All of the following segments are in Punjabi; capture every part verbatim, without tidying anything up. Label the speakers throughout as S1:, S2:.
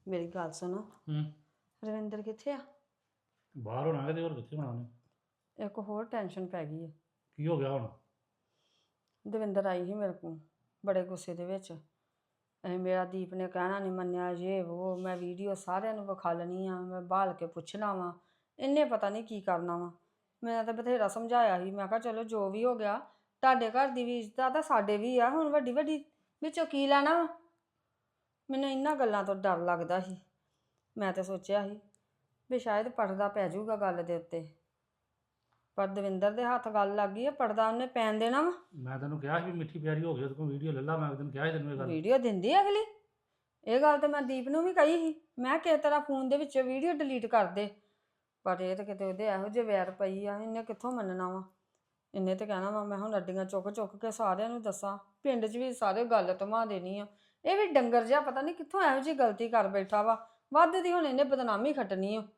S1: ਮੇਰੀ ਗੱਲ ਸੁਣੋ।
S2: ਹੂੰ
S1: ਰਵਿੰਦਰ ਕਿੱਥੇ ਆ?
S2: ਬਾਹਰ ਹੋਣਾ ਕਿਤੇ ਹੋਰ ਕਿੱਥੇ ਹੋਣਾ ਉਹਨੇ।
S1: ਇੱਕ ਹੋਰ ਟੈਨਸ਼ਨ ਪੈ ਗਈ ਹੈ।
S2: ਕੀ ਹੋ ਗਿਆ ਹੁਣ?
S1: ਦਵਿੰਦਰ ਆਈ ਸੀ ਮੇਰੇ ਕੋਲ ਬੜੇ ਗੁੱਸੇ ਦੇ ਵਿੱਚ। ਇਹ ਮੇਰਾ ਦੀਪ ਨੇ ਕਹਿਣਾ ਨਹੀਂ ਮੰਨਿਆ, ਇਹ ਉਹ ਮੈਂ ਵੀਡੀਓ ਸਾਰਿਆਂ ਨੂੰ ਵਿਖਾ ਲੈਣੀ ਆ, ਮੈਂ ਬਾਲ ਕੇ ਪੁੱਛਣਾ ਵਾ। ਇਹਨੇ ਪਤਾ ਨਹੀਂ ਕੀ ਕਰਨਾ ਵਾ। ਮੈਂ ਤਾਂ ਬਥੇਰਾ ਸਮਝਾਇਆ ਸੀ, ਮੈਂ ਕਿਹਾ ਚਲੋ ਜੋ ਵੀ ਹੋ ਗਿਆ, ਤੁਹਾਡੇ ਘਰ ਦੀ ਵੀ ਇੱਜ਼ਤ ਆ ਤਾਂ ਸਾਡੇ ਵੀ ਆ, ਹੁਣ ਵੱਡੀ ਵੱਡੀ ਵਿੱਚੋਂ ਕੀ ਲੈਣਾ ਵਾ। ਮੈਨੂੰ ਇਹਨਾਂ ਗੱਲਾਂ ਤੋਂ ਡਰ ਲੱਗਦਾ ਸੀ। ਮੈਂ ਤਾਂ ਸੋਚਿਆ ਸੀ ਵੀ ਸ਼ਾਇਦ ਪਰਦਾ ਪੈ ਜਾਊਗਾ ਗੱਲ ਦੇ ਉੱਤੇ, ਪਰ ਦਵਿੰਦਰ ਦੇ ਹੱਥ ਗੱਲ ਲੱਗ ਗਈ ਹੈ, ਪਰਦਾ ਉਹਨੇ ਪੈਣ ਦੇਣਾ ਵਾ।
S2: ਮੈਂ ਤੈਨੂੰ ਕਿਹਾ ਸੀ ਵੀ ਮਿੱਠੀ ਪਿਆਰੀ ਹੋ ਗਈ ਉਹਦੇ ਕੋਲ ਵੀਡੀਓ ਲੈ ਲਾ, ਮੈਂ ਤੈਨੂੰ ਕਿਹਾ ਸੀ ਤੈਨੂੰ ਇਹ ਗੱਲ।
S1: ਵੀਡੀਓ ਦਿੰਦੀ ਆ ਅਗਲੀ। ਇਹ ਗੱਲ ਤਾਂ ਮੈਂ ਦੀਪ ਨੂੰ ਵੀ ਕਹੀ ਸੀ, ਮੈਂ ਕਿਸ ਤਰ੍ਹਾਂ ਫੋਨ ਦੇ ਵਿੱਚੋਂ ਵੀਡੀਓ ਡਿਲੀਟ ਕਰ ਦੇ, ਪਰ ਇਹ ਤਾਂ ਕਿਤੇ ਉਹਦੇ ਇਹੋ ਜਿਹੇ ਵੈਰ ਪਈ ਆ, ਇਹਨੇ ਕਿੱਥੋਂ ਮੰਨਣਾ ਵਾ। ਇਹਨੇ ਤਾਂ ਕਹਿਣਾ ਵਾ ਮੈਂ ਹੁਣ ਅੱਡੀਆਂ ਚੁੱਕ ਚੁੱਕ ਕੇ ਸਾਰਿਆਂ ਨੂੰ ਦੱਸਾਂ, ਪਿੰਡ 'ਚ ਵੀ ਸਾਰੇ ਗੱਲ ਧਮਾ ਦੇਣੀ ਆ। ਇਹ ਵੀ ਡੰਗਰ ਜਿਹਾ ਪਤਾ ਨਹੀਂ ਕਿੱਥੋਂ ਇਹੋ ਜਿਹੀ ਗਲਤੀ ਕਰ ਬੈਠਾ ਵਾ, ਵੱਧ ਦੀ ਹੁਣ ਇਹਨੇ ਬਦਨਾਮੀ ਖੱਟਣੀ ਆ।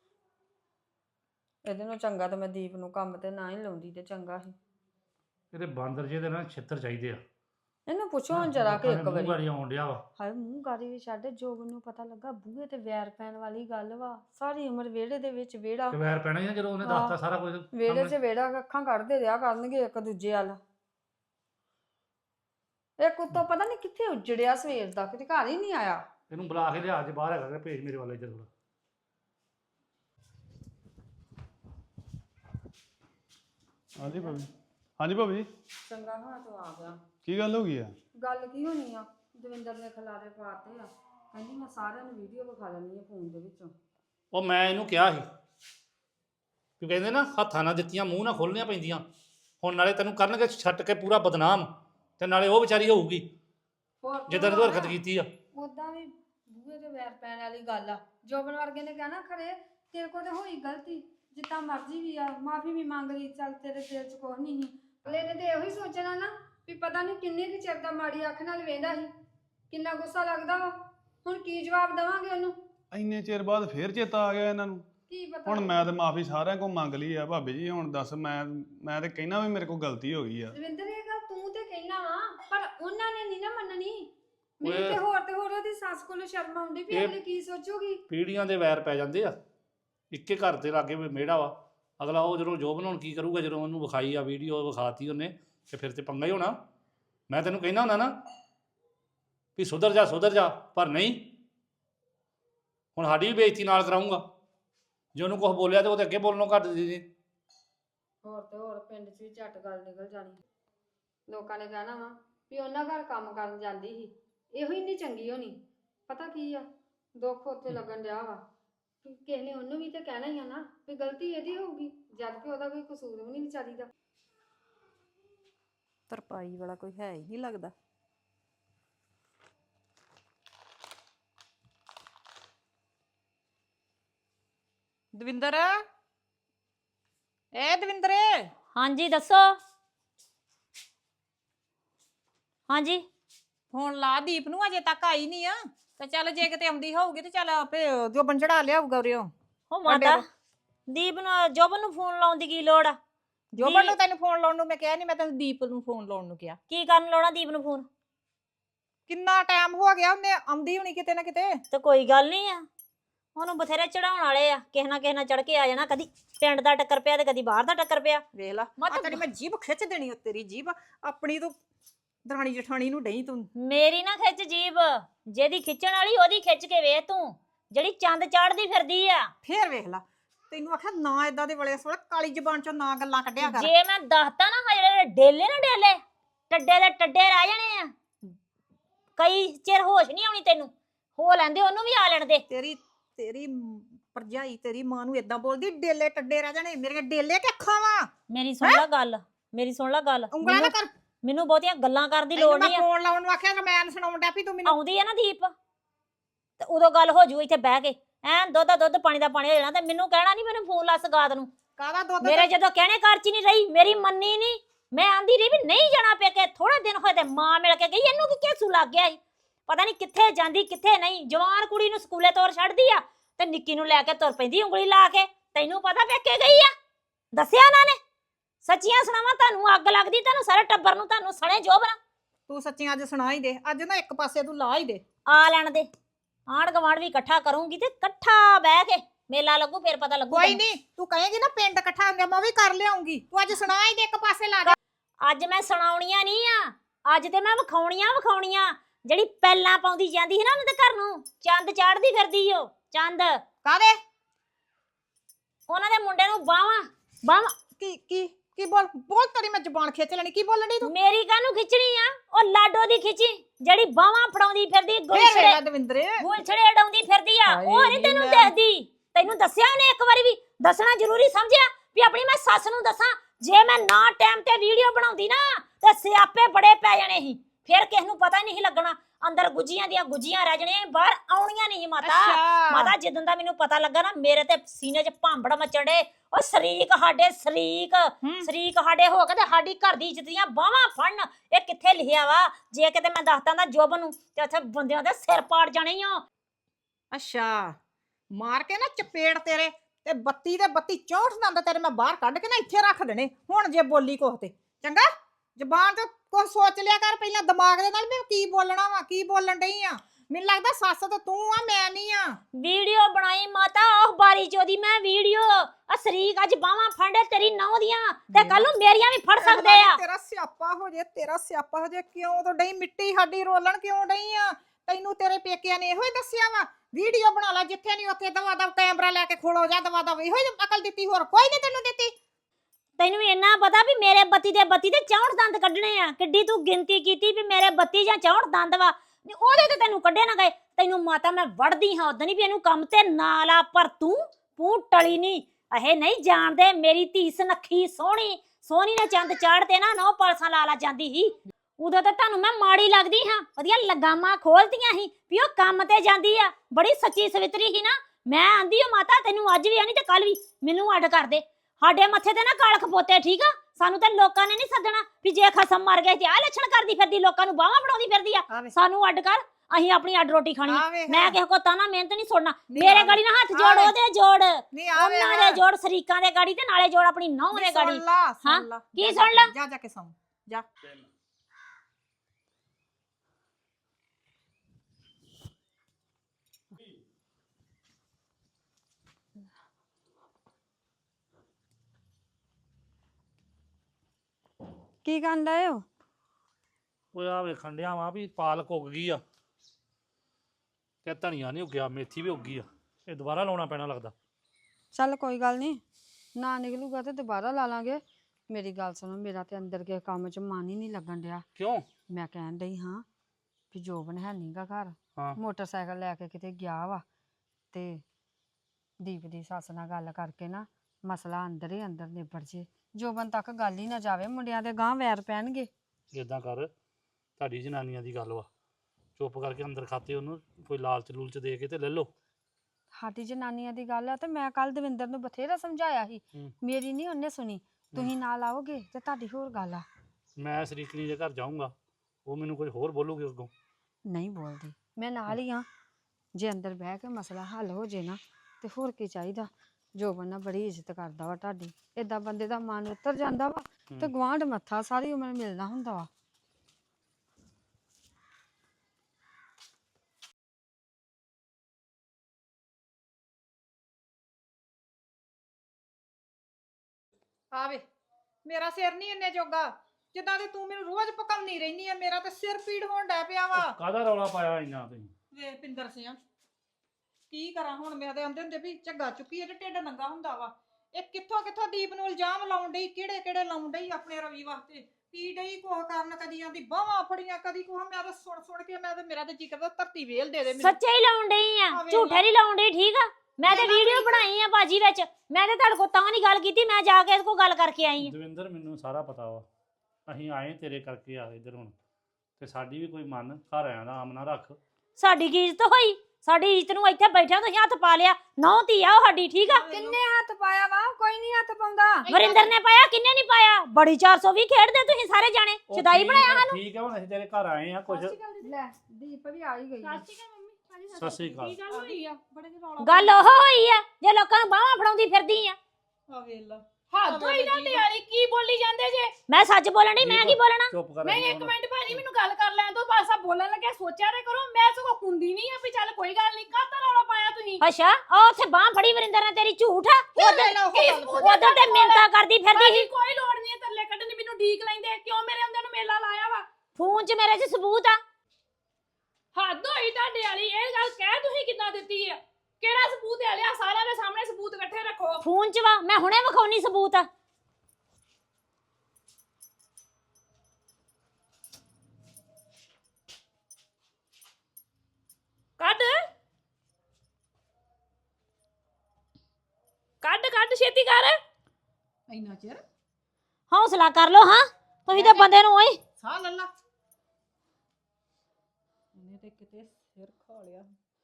S1: ਇਹਦੇ ਨੂੰ ਚੰਗਾ ਤਾਂ ਮੈਂ ਦੀਪ ਨੂੰ ਕੰਮ ਤੇ ਨਾ ਹੀ ਲਾਉਂਦੀ ਤੇ ਚੰਗਾ ਸੀ।
S2: ਇਹਦੇ ਬਾਂਦਰ ਜਿਹੇ ਦੇ ਨਾਲ ਛਿੱਤਰ ਚਾਹੀਦੇ ਆ।
S1: ਇਹਨੂੰ ਪੁੱਛੋ ਹੁਣ ਜਰਾ ਕਿ ਇੱਕ ਵਾਰੀ।
S2: ਗਾੜੀ ਆਉਣ ਡਿਆ ਵਾ।
S1: ਹਾਏ ਮੂੰਹ ਗਾੜੀ ਵੀ ਛੱਡ, ਜੋਬਨ ਨੂੰ ਪਤਾ ਲੱਗਾ ਬੂਹੇ ਤੇ ਵੈਰ ਪੈਣ ਵਾਲੀ ਗੱਲ ਵਾ। ਸਾਰੀ ਉਮਰ ਵਿਹੜੇ ਦੇ ਵਿੱਚ ਵਿਹੜਾ,
S2: ਤੇ ਵੈਰ ਪੈਣਾ ਹੀ ਨਾ ਜਦੋਂ ਉਹਨੇ ਦੱਸਤਾ ਸਾਰਾ ਕੁਝ।
S1: ਵਿਹੜੇ 'ਚ ਵਿਹੜਾ ਅੱਖਾਂ ਕੱਢਦੇ ਰਿਹਾ ਕਰਨਗੇ ਇੱਕ ਦੂਜੇ ਵੱਲ। ਇੱਕ ਉੱਤੋਂ ਪਤਾ ਨਹੀਂ ਕਿੱਥੇ ਉੱਜੜਿਆ ਸਵੇਰ ਦਾ, ਕਿਤੇ ਘਰ ਹੀ ਨਹੀਂ ਆਇਆ।
S2: ਇਹਨੂੰ ਬੁਲਾ ਕੇ ਲਿਆ, ਅੱਜ ਬਾਹਰ ਹੈਗਾ, ਭੇਜ ਮੇਰੇ ਵੱਲ ਇੱਧਰ ਥੋੜਾ।
S3: ਹਾਂਜੀ ਭਾਬੀ। ਹਾਂਜੀ ਭਾਬੀ,
S1: ਚੰਗਾ ਹੋਇਆ ਤੂੰ ਆ ਗਿਆ।
S3: ਕੀ ਗੱਲ ਹੋ ਗਈ ਆ?
S1: ਗੱਲ ਕੀ ਹੋਣੀ ਆ, ਦਵਿੰਦਰ ਨੇ ਖਲਾਰੇ ਪਾਤੇ ਆ, ਕਹਿੰਦੀ ਮੈਂ ਸਾਰਿਆਂ ਨੂੰ ਵੀਡੀਓ ਵਿਖਾ ਲੈਣੀ ਆ ਫੋਨ ਦੇ ਵਿੱਚੋਂ।
S2: ਉਹ ਮੈਂ ਇਹਨੂੰ ਕਿਹਾ ਸੀ ਕਿ ਕਹਿੰਦੇ ਨਾ ਹੱਥਾਂ ਨਾਲ ਦਿੱਤੀਆਂ ਮੂੰਹ ਨਾਲ ਖੋਲਣੀਆਂ ਪੈਂਦੀਆਂ। ਹੁਣ ਨਾਲੇ ਤੈਨੂੰ ਕਰਨਗੇ ਛੱਟ ਕੇ ਪੂਰਾ ਬਦਨਾਮ, ਤੇ ਨਾਲੇ ਉਹ ਵਿਚਾਰੀ ਹੋਊਗੀ ਜਿੱਦਾਂ ਤੂੰ ਹਰਕਤ ਕੀਤੀ ਆ।
S1: ਉਦਾਂ ਵੀ ਬੂਹੇ ਤੇ ਵੈਰ ਪੈਣ ਵਾਲੀ ਗੱਲ ਆ। ਜੋਬਨ ਵਰਗੇ ਨੇ ਕਹਿਣਾ ਖਰੇ ਤੇਰੇ ਕੋਲ ਤੇ ਹੋਈ ਗਲਤੀ, ਜਿੱਦਾਂ ਮਰਜ਼ੀ ਵੀ ਆ, ਮਾਫੀ ਵੀ ਮੰਗ ਲਈ, ਚੱਲ ਤੇਰੇ ਦਿਲ 'ਚ ਕੁਛ ਨਹੀਂ ਸੀ। ਅਗਲੇ ਨੇ ਤੇ ਇਹੋ ਹੀ ਸੋਚਣਾ ਨਾ ਵੀ ਪਤਾ ਨਹੀਂ ਕਿੰਨੇ ਕੁ ਚਿਰ ਦਾ ਮਾੜੀ ਅੱਖ ਨਾਲ ਵੇਂਦਾ ਸੀ, ਕਿੰਨਾ ਗੁੱਸਾ ਲੱਗਦਾ ਵਾ। ਹੁਣ ਕੀ ਜਵਾਬ ਦੇਵਾਂਗੇ ਉਹਨੂੰ?
S3: ਇੰਨੇ ਚਿਰ ਬਾਅਦ ਫੇਰ ਚੇਤਾ ਆ ਗਿਆ ਇਹਨਾਂ ਨੂੰ।
S1: ਕੀ ਪਤਾ।
S3: ਹੁਣ ਮੈਂ ਤੇ ਮਾਫੀ ਸਾਰਿਆਂ ਕੋਲ ਮੰਗ ਲਈ ਆ ਭਾਬੀ ਜੀ। ਹੁਣ ਦੱਸ, ਮੈਂ ਮੈਂ ਤੇ ਕਹਿਣਾ ਵੀ ਮੇਰੇ ਕੋਲ ਗਲਤੀ ਹੋ ਗਈ ਆ।
S1: ਰਵਿੰਦਰ ਇਹ ਗੱਲ ਤੂੰ ਤੇ ਕਹਿਣਾ ਵਾ, ਪਰ ਉਹਨਾਂ ਨੇ ਨਹੀਂ ਨਾ ਮੰਨਣੀ। ਮੈਨੂੰ ਤੇ ਹੋਰ ਤੇ ਹੋਰ ਉਹਦੀ ਸੱਸ ਕੋਲੋਂ ਸ਼ਰਮ ਆਉਂਦੀ ਵੀ ਅਗਲੀ ਕੀ ਸੋਚੂਗੀ।
S2: ਪੀੜੀਆਂ ਦੇ ਵੈਰ ਪੈ ਜਾਂਦੇ ਆ। ਇੱਕੇ ਘਰ ਦੇ ਲਾਗੇ ਮਿਹੜਾ ਵਾ, ਅਗਲਾ ਉਹ ਜਦੋਂ ਜੋਬ ਬਣਾਉਣ ਕੀ ਕਰੂਗਾ, ਜਦੋਂ ਉਹਨੂੰ ਵਿਖਾਈ ਆ ਵੀਡੀਓ ਵਿਖਾਤੀ ਉਹਨੇ, ਤੇ ਫਿਰ ਤੇ ਪੰਗਾ ਹੀ ਹੋਣਾ। ਮੈਂ ਤੈਨੂੰ ਕਹਿਣਾ ਹੁੰਦਾ ਨਾ ਵੀ ਸੁਧਰ ਜਾ ਸੁਧਰ ਜਾ, ਪਰ ਨਹੀਂ। ਹੁਣ ਸਾਡੀ ਵੀ ਬੇਇੱਜ਼ਤੀ ਨਾਲ ਕਰਾਊਂਗਾ। ਜੇ ਉਹਨੂੰ ਕੁਛ ਬੋਲਿਆ ਤੇ ਉਹ ਤੇ ਅੱਗੇ ਬੋਲਣੋਂ ਘੱਟ ਦੀ।
S1: ਹੋਰ ਤੇ ਹੋਰ ਪਿੰਡ 'ਚ ਵੀ ਝੱਟ ਗੱਲ ਨਿਕਲ ਜਾਣੀ। ਲੋਕਾਂ ਨੇ ਕਹਿਣਾ ਵਾ ਵੀ ਉਹਨਾਂ ਘਰ ਕੰਮ ਕਰਨ ਜਾਂਦੀ ਸੀ, ਇਹੋ ਹੀ ਨਹੀਂ ਚੰਗੀ ਹੋਣੀ। ਪਤਾ ਕੀ ਆ, ਦੁੱਖ ਉੱਥੇ ਲੱਗਣ ਡਿਆ ਵਾ ਕਿ ਕਿਸੇ ਨੇ ਉਹਨੂੰ ਵੀ ਤੇ ਕਹਿਣਾ ਹੀ ਆ ਨਾ ਵੀ ਗਲਤੀ ਇਹਦੀ ਹੋਊਗੀ, ਜਦ ਕਿ ਉਹਦਾ ਕੋਈ ਕਸੂਰ ਵੀ ਨਹੀਂ ਵਿਚਾਰੀ ਦਾ।
S4: ਤਰਪਾਈ ਵਾਲਾ ਕੋਈ ਹੈ ਹੀ ਨਹੀਂ ਲੱਗਦਾ। ਦਵਿੰਦਰ, ਏ ਦਵਿੰਦਰ।
S5: ਹਾਂਜੀ ਦੱਸੋ। ਹਾਂਜੀ
S4: ਫੋਨ ਲਾ ਦੀਪ ਨੂੰ, ਅਜੇ ਤੱਕ ਆਈ ਨਹੀਂ ਆ। ਤੇ ਚੱਲ ਜੇ ਕਿਤੇ ਆਉਂਦੀ ਹੋਊਗੀ ਤੇ ਚੱਲ ਆਪੇ ਜੋ ਬੰਝੜਾ ਲਿਆਊਗਾ ਉਰਿਓ।
S5: ਹੋ ਮਾਤਾ ਦੀਪ ਨੂੰ ਜੋਬਨ ਨੂੰ ਫੋਨ ਲਾਉਣ ਦੀ ਕੀ ਲੋੜ ਆ?
S4: ਜੋਬਨ ਨੂੰ ਤੈਨੂੰ ਫੋਨ ਲਾਉਣ ਨੂੰ ਮੈਂ ਕਿਹਾ ਨਹੀਂ, ਮੈਂ ਤੈਨੂੰ ਦੀਪ ਨੂੰ ਫੋਨ ਲਾਉਣ ਨੂੰ ਕਿਹਾ।
S5: ਕੀ ਕਰਨ ਲਾਉਣਾ ਦੀਪ ਨੂੰ ਫੋਨ?
S4: ਕਿੰਨਾ ਟਾਈਮ ਹੋ ਗਿਆ, ਉਹਨੇ ਆਉਂਦੀ ਹੋਣੀ ਕਿਤੇ ਨਾ ਕਿਤੇ।
S5: ਤੇ ਕੋਈ ਗੱਲ ਨਹੀਂ ਆ, ਉਹਨੂੰ ਬਥੇਰੇ ਚੜਾਉਣ ਵਾਲੇ ਆ, ਕਿਸੇ ਨਾ ਕਿਸੇ ਨਾਲ ਚੜ ਕੇ ਆ ਜਾਣਾ। ਕਦੀ ਪਿੰਡ ਦਾ ਟੱਕਰ ਪਿਆ ਤੇ ਕਦੀ ਬਾਹਰ ਦਾ ਟੱਕਰ ਪਿਆ।
S4: ਵੇਖ ਲਾ ਮਾਤਾ ਤੇਰੀ ਮੈਂ ਜੀਭ ਖਿੱਚ ਦੇਣੀ ਆ, ਤੇਰੀ ਜੀਭ ਆਪਣੀ ਤੂੰ ਦਰਾਣੀ ਜਠਾਣੀ ਨੂੰ ਡਈ ਤੂੰ।
S5: ਮੇਰੀ ਨਾ ਖਿੱਚ ਜੀਬ, ਜਿਹਦੀ ਖਿੱਚਣ ਵਾਲੀ ਉਹਦੀ ਖਿੱਚ ਕੇ ਵੇਖ ਤੂੰ, ਜਿਹੜੀ ਚੰਦ ਚਾੜਦੀ ਫਿਰਦੀ ਆ।
S4: ਫੇਰ ਵੇਖ ਲਾ, ਤੈਨੂੰ ਆਖਿਆ ਨਾ ਏਦਾਂ ਦੇ ਵਲੇ ਸੋਲੇ ਕਾਲੀ ਜ਼ਬਾਨ ਚੋਂ ਨਾ ਗੱਲਾਂ ਕੱਢਿਆ ਕਰ।
S5: ਜੇ ਮੈਂ ਦੱਸਤਾ ਨਾ ਹਾਂ ਜਿਹੜੇ ਡੇਲੇ ਨਾ ਡੇਲੇ ਟੱਡੇ ਦੇ ਟੱਡੇ ਰਹਿ ਜਾਣੇ ਆ, ਕਈ ਚਿਰ ਹੋਸ਼ ਨਹੀਂ ਆਉਣੀ ਤੈਨੂੰ। ਹੋ ਲੈਂਦੇ ਉਹਨੂੰ ਵੀ ਆ ਲੈਣ ਦੇ।
S4: ਤੇਰੀ ਤੇਰੀ ਭਰਜਾਈ ਤੇਰੀ ਮਾਂ ਨੂੰ ਏਦਾਂ ਬੋਲਦੀ, ਡੇਲੇ ਟੱਡੇ ਰਹਿ ਜਾਣੇ। ਮੇਰੀਆਂ ਡੇਲੇ ਕਿ ਅੱਖਾਂ ਵਾ?
S5: ਮੇਰੀ ਸੁਣ ਲੈ ਗੱਲ, ਮੇਰੀ ਸੁਣ ਲੈ ਗੱਲ।
S4: ਉਂਗਲਾਂ ਨਾ ਕਰ,
S5: ਮੈਨੂੰ ਬਹੁਤੀਆਂ ਗੱਲਾਂ ਕਰਨ ਦੀ ਲੋੜ ਨਹੀਂ ਆ।
S4: ਫੋਨ ਲਾਉਣ ਨੂੰ ਆਖਿਆ ਰਮੈਨ ਸੁਣਾਉਣ ਡਿਆ ਵੀ ਤੂੰ ਮੈਨੂੰ।
S5: ਆਉਂਦੀ ਆ ਨਾ ਦੀਪ ਤੇ ਉਦੋਂ ਗੱਲ ਹੋ ਜੂ ਇੱਥੇ ਬਹਿ ਕੇ, ਐਨ ਦੁੱਧ ਦਾ ਦੁੱਧ ਪਾਣੀ ਦਾ ਪਾਣੀ ਹੋ ਜਾਣਾ। ਤੇ ਮੈਨੂੰ ਕਹਿਣਾ ਨਹੀਂ ਮੈਨੂੰ ਫੋਨ ਲਾ ਸਗਾਤ ਨੂੰ।
S4: ਕਾਹਦਾ ਦੁੱਧ?
S5: ਮੇਰੇ ਜਦੋਂ ਕਹਿਣੇ ਘਰ ਚ ਨਹੀਂ ਰਹੀ, ਮੇਰੀ ਮੰਨੀ ਨਹੀਂ। ਮੈਂ ਆਂਦੀ ਰਹੀ ਵੀ ਨਹੀਂ ਜਾਣਾ ਪੇਕੇ। ਥੋੜੇ ਦਿਨ ਹੋਏ ਤੇ ਮਾਂ ਮਿਲ ਕੇ ਗਈ, ਇਹਨੂੰ ਕੀ ਕੇਸੂ ਲੱਗ ਗਿਆ ਸੀ। ਪਤਾ ਨਹੀਂ ਕਿੱਥੇ ਜਾਂਦੀ ਕਿੱਥੇ ਨਹੀਂ। ਜਵਾਨ ਕੁੜੀ ਨੂੰ ਸਕੂਲੇ ਤੋਰ ਛੱਡਦੀ ਆ ਤੇ ਨਿੱਕੀ ਨੂੰ ਲੈ ਕੇ ਤੁਰ ਪੈਂਦੀ ਉਂਗਲੀ ਲਾ ਕੇ। ਤੈਨੂੰ ਪਤਾ ਪੇਕੇ ਗਈ ਆ? ਦੱਸਿਆ ਉਹਨਾਂ ਨੇ? ਸੱਚੀਆਂ ਸੁਣਾਵਾਂ ਤੁਹਾਨੂੰ ਅੱਗ ਲੱਗਦੀ, ਤੁਹਾਨੂੰ ਸਾਰੇ ਟੱਬਰ ਨੂੰ, ਤੁਹਾਨੂੰ ਸਣੇ ਜੋਬਨ।
S4: ਤੂੰ ਸੱਚੀਆਂ ਅੱਜ ਸੁਣਾ ਹੀ ਦੇ, ਅੱਜ ਨਾ ਇੱਕ ਪਾਸੇ ਤੂੰ ਲਾ ਹੀ ਦੇ।
S5: ਆ ਲੈਣ ਦੇ, ਆਂਢ ਗੁਆਂਢ ਵੀ ਇਕੱਠਾ ਕਰੂੰਗੀ ਤੇ ਇਕੱਠਾ ਬਹਿ ਕੇ ਮੇਲਾ ਲੱਗੂ ਫਿਰ ਪਤਾ ਲੱਗੂ
S4: ਕੋਈ
S5: ਤੈਨੂੰ।
S4: ਨਹੀਂ ਤੂੰ ਕਹੇਗੀ ਨਾ ਪਿੰਡ ਇਕੱਠਾ ਹੁੰਦਾ ਮੈਂ ਵੀ ਕਰ ਲਿਆਉਂਗੀ ਤੂੰ ਅੱਜ ਸੁਣਾ ਹੀ ਦੇ ਇੱਕ ਪਾਸੇ ਲਾ ਦੇ।
S5: ਅੱਜ ਮੈਂ ਸੁਣਾਉਣੀਆਂ ਨਹੀਂ ਆ ਅੱਜ ਤੇ ਮੈਂ ਵਿਖਾਉਣੀਆਂ ਵਿਖਾਉਣੀਆਂ ਜਿਹੜੀ ਪਹਿਲਾਂ ਪਾਉਂਦੀ ਜਾਂਦੀ ਸੀ ਨਾ ਉਹਨਾਂ ਦੇ ਘਰ ਨੂੰ ਚੰਦ ਚਾੜਦੀ ਫਿਰਦੀ ਓ ਚੰਦ
S4: ਕਾਦੇ
S5: ਉਹਨਾਂ ਦੇ ਮੁੰਡੇ ਨੂੰ ਬਾਹਾਂ ਬਾਹਾਂ
S4: ਕੀ ਕੀ ਕੀ ਬੋਲ ਬੋਲ ਤੇਰੀ ਮੈਂ ਜ਼ੁਬਾਨ ਖਿੱਚ ਲੈਣੀ ਕੀ ਬੋਲਣ ਦੀ ਤੂੰ
S5: ਮੇਰੀ ਕਾਹਨੂੰ ਖਿੱਚਣੀ ਆ ਉਹ ਲਾਡੋ ਦੀ ਖਿੱਚੀ ਜਿਹੜੀ ਬਾਹਾਂ ਫੜਾਉਂਦੀ ਫਿਰਦੀ
S4: ਫੇਰ
S5: ਗੁਲਛੜੇ
S4: ਵੇਲਾ ਦਵਿੰਦਰੇ
S5: ਗੁਲਛੜੇ ਉਡਾਉਂਦੀ ਫਿਰਦੀ ਆ
S1: ਹਾਏ
S5: ਉਹ ਨਹੀਂ
S1: ਨੀ
S5: ਤੈਨੂੰ
S1: ਮੈਂ-
S5: ਦੱਸਦੀ ਤੈਨੂੰ ਦੱਸਿਆ ਉਹਨੇ ਇੱਕ ਵਾਰੀ ਵੀ ਦੱਸਣਾ ਜ਼ਰੂਰੀ ਸਮਝਿਆ ਵੀ ਆਪਣੀ ਮੈਂ ਸੱਸ ਨੂੰ ਦੱਸਾਂ ਜੇ ਮੈਂ ਨਾ ਟਾਈਮ ਤੇ ਵੀਡੀਓ ਬਣਾਉਂਦੀ ਨਾ ਤੇ ਸਿਆਪੇ ਬੜੇ ਪੈ ਜਾਣੇ ਸੀ ਫਿਰ ਕਿਸ ਨੂੰ ਪਤਾ ਨਹੀਂ ਸੀ ਲੱਗਣਾ ਅੰਦਰ ਗੁੱਜੀਆਂ ਦੀਆਂ ਗੁੱਜੀਆਂ ਰਹਿ ਜਾਣੀਆਂ ਬਾਹਰ ਆਉਣੀਆਂ ਨਹੀਂ ਮਾਤਾ ਮਾਤਾ ਜਦੋਂ ਦਾ ਮੈਨੂੰ ਪਤਾ ਲੱਗਾ ਨਾ ਮੇਰੇ ਤੇ ਸੀਨੇ 'ਚ ਭਾਂਬੜ ਮਚਣ ਡੇ ਉਹ ਸ਼ਰੀਕ ਸਾਡੇ ਸ਼ਰੀਕ ਸ਼ਰੀਕ ਸਾਡੇ ਹੋ ਕੇ ਤੇ ਸਾਡੀ ਘਰ ਦੀ ਇੱਜ਼ਤ ਦੀਆਂ ਬਾਹਾਂ ਫੜਨ ਇਹ ਕਿੱਥੇ ਲਿਖਿਆ ਵਾ ਜੇ ਕਿਤੇ ਮੈਂ ਦੱਸਦਾ ਨਾ ਜੋਬ ਨੂੰ ਤੇ ਉੱਥੇ ਬੰਦਿਆਂ ਦੇ ਸਿਰ ਪਾੜ ਜਾਣੇ ਈ ਓ
S4: ਅੱਛਾ ਮਾਰ ਕੇ ਨਾ ਚਪੇੜ ਤੇਰੇ ਤੇ ਬੱਤੀ ਦੇ ਬੱਤੀ ਚੌਂਹਠ ਦੰਦ ਤੇਰੇ ਮੈਂ ਬਾਹਰ ਕੱਢ ਕੇ ਨਾ ਇੱਥੇ ਰੱਖ ਦੇਣੇ ਹੁਣ ਜੇ ਬੋਲੀ ਕੋਹ ਤੇ ਚੰਗਾ ਜ਼ਬਾਨ ਤੇ ਕੁਝ ਸੋਚ ਲਿਆ ਕਰ ਪਹਿਲਾਂ ਦਿਮਾਗ ਦੇ ਨਾਲ ਵੀ ਕੀ ਬੋਲਣਾ ਵਾ ਕੀ ਬੋਲਣ ਡਈ ਆ ਮੈਨੂੰ ਲੱਗਦਾ ਸੱਸ ਤਾਂ ਤੂੰ ਆ ਮੈਂ ਨਹੀਂ ਆ
S5: ਵੀਡੀਓ ਬਣਾਈ ਮਾਤਾ ਉਹ ਬਾਰੀ ਚੋਦੀ ਮੈਂ ਵੀਡੀਓ ਆ ਸ਼ਰੀਕ ਅੱਜ ਬਾਹਾਂ ਫੜਦੇ ਤੇਰੀ ਨੌ ਦੀਆਂ ਤੇ ਕੱਲ ਨੂੰ ਮੇਰੀਆਂ ਵੀ ਫੜ ਸਕਦੇ ਆ
S4: ਤੇਰਾ ਸਿਆਪਾ ਹੋ ਜੇ ਤੇਰਾ ਸਿਆਪਾ ਹੋ ਜੇ ਕਿਉਂ ਤੂੰ ਡਈ ਮਿੱਟੀ ਸਾਡੀ ਰੋਲਣ ਕਿਉਂ ਡਈ ਆ ਤੈਨੂੰ ਤੇਰੇ ਪੇਕਿਆਂ ਨੇ ਇਹੋ ਹੀ ਦੱਸਿਆ ਵਾ ਵੀਡੀਓ ਬਣਾ ਲੈ ਜਿੱਥੇ ਨਹੀਂ ਉੱਥੇ ਦਵਾ ਦਵ ਕੈਮਰਾ ਲੈ ਕੇ ਖੋਲੋ ਜਾ ਦਵਾ ਦਵ ਇਹੋ ਹੀ ਅਕਲ ਦਿੱਤੀ ਹੋਰ ਕੋਈ ਨਹੀਂ ਤੈਨੂੰ ਦਿੱਤੀ
S5: ਤੈਨੂੰ ਇੰਨਾ ਪਤਾ ਵੀ ਮੇਰੇ ਬੱਤੀ ਦੇ ਬੱਤੀ ਦੇ ਚੌਂਹਠ ਦੰਦ ਕੱਢਣੇ ਆ ਕਿੱਡੀ ਤੂੰ ਗਿਣਤੀ ਕੀਤੀ ਵੀ ਮੇਰੇ ਬੱਤੀ ਜਾਂ ਚੌਂਹਠ ਦੰਦ ਵਾ ਨੀ ਉਹਦੇ ਤੇ ਤੈਨੂੰ ਕੱਢੇ ਨਾ ਗਏ ਤੈਨੂੰ ਮਾਤਾ ਮੈਂ ਵੜਦੀ ਹਾਂ ਉਦੋਂ ਨਹੀਂ ਵੀ ਇਹਨੂੰ ਕੰਮ ਤੇ ਨਾ ਲਾ ਪਰ ਤੂੰ ਤੂੰ ਟਲੀ ਨਹੀਂ ਇਹ ਨਹੀਂ ਜਾਣਦੇ ਮੇਰੀ ਧੀ ਸੁਨੱਖੀ ਸੋਹਣੀ ਸੋਹਣੀ ਨੇ ਚੰਦ ਚਾੜਤੇ ਨਾ ਨੌ ਪਲਸਾਂ ਲਾ ਲਾ ਜਾਂਦੀ ਸੀ ਉਦੋਂ ਤਾਂ ਤੁਹਾਨੂੰ ਮੈਂ ਮਾੜੀ ਲੱਗਦੀ ਹਾਂ ਉਹਦੀਆਂ ਲਗਾਮਾਂ ਖੋਲਦੀਆਂ ਸੀ ਵੀ ਉਹ ਕੰਮ ਤੇ ਜਾਂਦੀ ਆ ਬੜੀ ਸੱਚੀ ਸਵਿਤਰੀ ਸੀ ਨਾ ਮੈਂ ਆਂਦੀ ਓ ਮਾਤਾ ਤੈਨੂੰ ਅੱਜ ਵੀ ਆਣੀ ਤੇ ਕੱਲ ਵੀ ਮੈਨੂੰ ਅੱਡ ਕਰ ਦੇ ਸਾਡੇ ਮੱਥੇ ਤੇ ਨਾ ਕਾਲ ਖਪੋਤੇ ਠੀਕ ਆ ਸਾਨੂੰ ਤਾਂ ਲੋਕਾਂ ਨੇ ਨਹੀਂ ਸੱਦਣਾ ਵੀ ਜੇ ਖਸਮ ਮਰ ਗਏ ਤੇ ਆ ਲੱਛਣ ਕਰਦੀ ਫਿਰਦੀ ਲੋਕਾਂ ਨੂੰ ਬਾਹਾਂ ਫੜਾਉਂਦੀ ਫਿਰਦੀ ਆ ਸਾਨੂੰ ਅੱਡ ਕਰ ਅਸੀਂ ਆਪਣੀ ਅੱਡ ਰੋਟੀ ਖਾਣੀ ਆ ਮੈਂ ਕਿਸੇ ਕੋ ਤਾਨਾ ਮਿਹਨਤ ਨਹੀਂ ਛੋੜਨਾ ਮੇਰੇ ਗਾੜੀ ਨਾ ਹੱਥ ਜੋੜ ਉਹਦੇ ਜੋੜ
S4: ਨਹੀਂ ਆਵੇ
S5: ਉਹਨਾਂ ਦੇ ਜੋੜ ਸ਼ਰੀਕਾਂ ਦੇ ਗਾੜੀ ਤੇ ਨਾਲੇ ਜੋੜ ਆਪਣੀ ਨੌਂ ਦੇ ਗਾੜੀ ਹਾਂ ਕੀ ਸੁਣ ਲਾ
S4: ਜਾ ਜਾ ਕੇ ਸੁਣ ਜਾ
S1: ਕੀ ਕਰਨ ਡਏ ਹੋ
S2: ਉਹ ਆ ਵੇਖਣ ਡਿਆ ਵਾਂ ਵੀ ਪਾਲਕ ਉੱਗ ਗਈ ਆ ਤੇ ਧਨੀਆ ਨਹੀਂ ਉੱਗਿਆ ਮੇਥੀ ਵੀ ਉੱਗੀ ਆ ਇਹ ਦੁਬਾਰਾ ਲਾਉਣਾ ਪੈਣਾ ਲੱਗਦਾ
S1: ਚੱਲ ਕੋਈ ਗੱਲ ਨਹੀਂ ਨਾ ਨਿਕਲੂਗਾ ਤੇ ਦੁਬਾਰਾ ਲਾ ਲਾਂਗੇ ਮੇਰੀ ਗੱਲ ਸੁਣੋ ਮੇਰਾ ਤੇ ਅੰਦਰ ਕੇ ਕੰਮ 'ਚ ਮਨ ਹੀ ਨਹੀਂ ਲੱਗਣ ਡਿਆ
S2: ਕਿਉਂ
S1: ਮੈਂ ਕਹਿਣ ਡਈ ਹਾਂ ਵੀ ਜੋਬਨ ਹੈ ਨਹੀਂਗਾ ਘਰ
S2: ਹਾਂ
S1: ਮੋਟਰਸਾਈਕਲ ਲੈ ਕੇ ਕਿਤੇ ਗਿਆ ਵਾ ਤੇ ਦੀਪ ਦੀ ਸੱਸ ਨਾਲ ਗੱਲ ਕਰਕੇ ਨਾ ਮਸਲਾ ਅੰਦਰ ਹੀ ਅੰਦਰ ਨਿਬੜ ਜੇ ਜੋਬਨ ਤੱਕ ਗੱਲ ਹੀ ਨਾ ਜਾਵੇ ਮੁੰਡਿਆਂ ਦੇ ਗਾਂਹ ਵੈਰ ਪੈਣਗੇ
S2: ਇਦਾਂ ਕਰ ਤੁਹਾਡੀ ਜਨਾਨੀਆਂ ਦੀ ਗੱਲ ਵਾ ਚੁੱਪ ਕਰਕੇ ਅੰਦਰ ਖਾਤੇ ਉਹਨੂੰ ਕੋਈ ਲਾਲਚ ਲੂਲਚ ਦੇ ਕੇ ਤੇ ਲੈ ਲਓ
S1: ਸਾਡੀ ਜਨਾਨੀਆਂ ਦੀ ਗੱਲ ਆ ਤੇ ਮੈਂ ਕੱਲ ਦਵਿੰਦਰ ਨੂੰ ਬਥੇਰਾ ਸਮਝਾਇਆ ਸੀ
S2: ਹੂੰ।
S1: ਮੇਰੀ ਨਹੀਂ ਉਹਨੇ ਸੁਣੀ ਤੁਸੀਂ ਨਾਲ ਆਓਗੇ ਤੇ ਤੁਹਾਡੀ ਹੋਰ ਗੱਲ ਆ
S2: ਮੈਂ ਸ਼ਰੀਕਣੀ ਦੇ ਘਰ ਜਾਊਂਗਾ ਉਹ ਮੈਨੂੰ ਕੁਝ ਹੋਰ ਬੋਲੂਗੇ ਅੱਗੋਂ
S1: ਨਹੀਂ ਬੋਲਦੀ ਮੈਂ ਨਾਲ ਹੀ ਆ ਜੇ ਅੰਦਰ ਬਹਿ ਕੇ ਮਸਲਾ ਹੱਲ ਹੋ ਜੇ ਨਾ ਤੇ ਹੋਰ ਕੀ ਚਾਹੀਦਾ ਜੋਬਨ ਨਾਲ ਬੜੀ ਇੱਜ਼ਤ ਕਰਦਾ ਵਾ ਤੁਹਾਡੀ ਏਦਾਂ ਬੰਦੇ ਦਾ ਮਨ ਉਤਰ ਜਾਂਦਾ ਵਾ ਤੇ ਗਵਾਂਢ ਮੱਥਾ ਸਾਰੀ ਉਮਰ ਮਿਲਣਾ ਹੁੰਦਾ ਵਾ
S4: ਆਵੇ ਮੇਰਾ ਸਿਰ ਨਹੀਂ ਇੰਨੇ ਜੋਗਾ ਜਿੱਦਾਂ ਦੀ ਤੂੰ ਮੈਨੂੰ ਰੋਜ਼ ਪਕਾਉਣੀ ਰਹਿਨੀ ਆ ਮੇਰਾ ਤੇ ਸਿਰ ਪੀੜ ਹੋਣ ਡੈ ਪਿਆ ਵਾ
S2: ਕਾਹਦਾ ਰੌਲਾ ਪਾਇਆ ਇੰਨਾ ਤੁਸੀਂ
S4: ਵੇ ਪਿੰਦਰ ਸਿੰਘ ਕੀ ਕਰਾਂ ਹੁਣ ਮੈਂ ਤੇ ਆਂਦੇ ਹੁੰਦੇ ਵੀ ਝੱਗਾ ਚੁੱਕੀ ਤੇ ਢਿੱਡ ਨੰਗਾ ਹੁੰਦਾ ਵਾ ਇਹ ਕਿੱਥੋਂ ਕਿੱਥੋਂ ਦੀਪ ਨੂੰ ਇਲਜ਼ਾਮ ਲਾਉਣ ਡਈ ਕਿਹੜੇ ਕਿਹੜੇ ਲਾਉਣ ਡਈ ਆਪਣੇ ਰਵੀ ਵਾਸਤੇ ਕੀ ਡਈ ਕੋਹ ਕਰਨ ਕਦੀ ਆਂਦੀ ਬਾਹਾਂ ਫੜੀਆਂ ਕਦੀ ਕੋਹ ਮੈਂ ਤਾਂ ਸੁਣ ਸੁਣ ਕੇ ਮੈਂ ਤੇ ਮੇਰਾ ਤੇ ਜੀ ਕਰਦਾ ਧਰਤੀ ਵੇਲ ਦੇ ਦੇ ਮੈਨੂੰ
S5: ਸੱਚੇ ਹੀ ਲਾਉਣ ਡਈ ਆ
S4: ਆ ਵੇਖ
S5: ਝੂਠੇ
S4: ਲਾ।
S5: ਨਹੀਂ ਲਾਉਣ ਡਈ ਠੀਕ ਆ ਮੈਂ ਤੇ
S4: ਵੇਖ ਲਾ
S5: ਵੀਡੀਓ
S4: ਮੇਰੀ-
S5: ਬਣਾਈ ਆ ਬਾਜੀ ਵਿੱਚ ਮੈਂ ਤੇ ਤੁਹਾਡੇ ਕੋਲ ਤਾਂ ਨਹੀਂ ਗੱਲ ਕੀਤੀ ਮੈਂ ਜਾ ਕੇ ਇਹਦੇ ਕੋਲ ਗੱਲ ਕਰਕੇ ਆਈ ਆ
S2: ਦਵਿੰਦਰ ਮੈਨੂੰ ਸਾਰਾ ਪਤਾ ਵਾ ਅਸੀਂ ਆਏ ਤੇਰੇ ਕਰਕੇ ਆ ਇੱਧਰ ਹੁਣ ਤੇ ਸਾਡੀ ਵੀ ਕੋਈ ਮਨ ਘਰ ਆਇਆ ਦਾ ਆਮਨਾ ਰੱਖ
S5: ਸਾਡੀ ਕੀ ਇੱਜ਼ਤ ਹੋਈ ਸਾਡੀ ਇੱਜ਼ਤ ਨੂੰ ਇੱਥੇ ਬੈਠਿਆ ਤੁਸੀਂ ਹੱਥ ਪਾ ਲਿਆ ਨੌ ਧੀ ਆ ਉਹ ਸਾਡੀ ਠੀਕ ਆ
S1: ਕਿੰਨੇ ਹੱਥ ਪਾਇਆ ਵਾ ਕੋਈ ਨਹੀਂ ਹੱਥ ਪਾਉਂਦਾ
S5: ਵਰਿੰਦਰ ਨੇ ਪਾਇਆ ਕਿੰਨੇ ਨਹੀਂ ਪਾਇਆ ਬੜੀ ਚਾਰ ਸੌ ਵੀਹ ਖੇਡਦੇ ਤੁਸੀਂ ਸਾਰੇ ਜਾਣੇ
S2: ਉਹ
S5: ਸ਼ਦਾਈ
S2: ਠੀਕ
S5: ਬਣਾਇਆ
S2: ਆ-
S5: ਸਾਨੂੰ
S2: ਠੀਕ ਹੈ ਹੁਣ ਅਸੀਂ ਤੇਰੇ ਘਰ ਆਏ ਆ ਕੁਝ
S1: ਲੈ ਦੀਪ ਵੀ ਆ ਹੀ ਗਈ ਆ।
S2: ਸਤਿ ਸ੍ਰੀ ਅਕਾਲ
S5: ਗੱਲ ਉਹ ਹੋਈ ਆ ਜੇ ਲੋਕਾਂ ਨੂੰ ਬਾਹਾਂ ਫੜਾਉਂਦੀ ਫਿਰਦੀ ਆ
S4: ਆ ਵੇਲਾ
S6: ਹੱਦ ਹੋਈ ਨਾ ਨਿਆਣੀ ਕੀ ਬੋਲੀ ਜਾਂਦੇ ਜੇ
S5: ਮੈਂ ਸੱਚ ਬੋਲਣ ਡਈ ਮੈਂ ਕੀ ਬੋਲਣਾ
S2: ਚੁੱਪ ਕਰ
S6: ਨਹੀਂ
S2: ਅਸੀਂ
S6: ਇੱਕ
S2: ਹੁਣ-
S6: ਮਿੰਟ ਭਾਜੀ ਮੈਨੂੰ ਗੱਲ ਕਰ ਲੈਣ ਦੋ ਬਸ ਆ ਬੋਲਣ ਲੱਗਿਆ ਸੋਚਿਆ ਤੇ ਕਰੋ ਮੈਂ ਸਗੋਂ ਹੁੰਦੀ ਨਹੀਂ ਆ ਵੀ ਚੱਲ ਕੋਈ ਗੱਲ ਨਹੀਂ ਕਾਹਦਾ ਰੌਲਾ ਪਾਇਆ ਤੁਸੀਂ
S5: ਅੱਛਾ ਆ ਉੱਥੇ ਬਾਹ ਫੜੀ ਵਰਿੰਦਰ ਨੇ ਤੇਰੀ ਝੂਠ ਆ
S4: ਲੈ ਲਓ ਉਹ ਗੱਲ।
S5: ਉਦੋਂ ਤੇ ਮਿੰਤਾ ਕਰਦੀ ਫਿਰਦੀ
S6: ਭਾਜੀ
S5: ਸੀ
S6: ਕੋਈ ਲੋੜ ਨਹੀਂ ਤਰਲੇ ਕੱਢਣ ਦੀ ਮੈਨੂੰ ਢੀਕ ਲੈਂਦੇ ਕਿਉਂ ਮੇਰੇ ਆਉਂਦਿਆਂ ਨੂੰ ਮੇਲਾ ਲਾਇਆ ਵਾ
S5: ਫੋਨ 'ਚ ਮੇਰੇ 'ਚ ਸਬੂਤ ਆ
S6: ਹੱਦ ਹੋਈ ਤੁਹਾਡੇ ਵਾਲੀ ਇਹ ਗੱਲ ਕਹਿ ਤੁਸੀਂ ਕਿੱਦਾਂ ਦਿੱਤੀ ਆ ਕਿਹੜਾ ਸਬੂਤ ਹੈ ਲਿਆ ਸਾਰਿਆਂ ਦੇ ਸਾਹਮਣੇ ਸਬੂਤ ਇਕੱਠੇ ਰੱਖੋ
S5: ਫੋਨ 'ਚ ਵਾ ਮੈਂ ਹੁਣੇ ਵਿਖਾਉਣੀ ਸਬੂਤ ਆ
S6: ਕੱਢ ਕੱਢ ਕੱਢ ਛੇਤੀ ਕਰ
S4: ਇੰਨਾ ਚਿਰ
S5: ਹੌਸਲਾ ਕਰ ਲੋ ਹਾਂ ਤੁਸੀਂ ਤਾਂ ਬੰਦੇ ਨੂੰ ਓਏ
S4: ਸਾਹ ਲੱਲਾ ਇਹਨੇ ਤੇ ਕਿਤੇ ਸਿਰ ਖਾ ਲਿਆ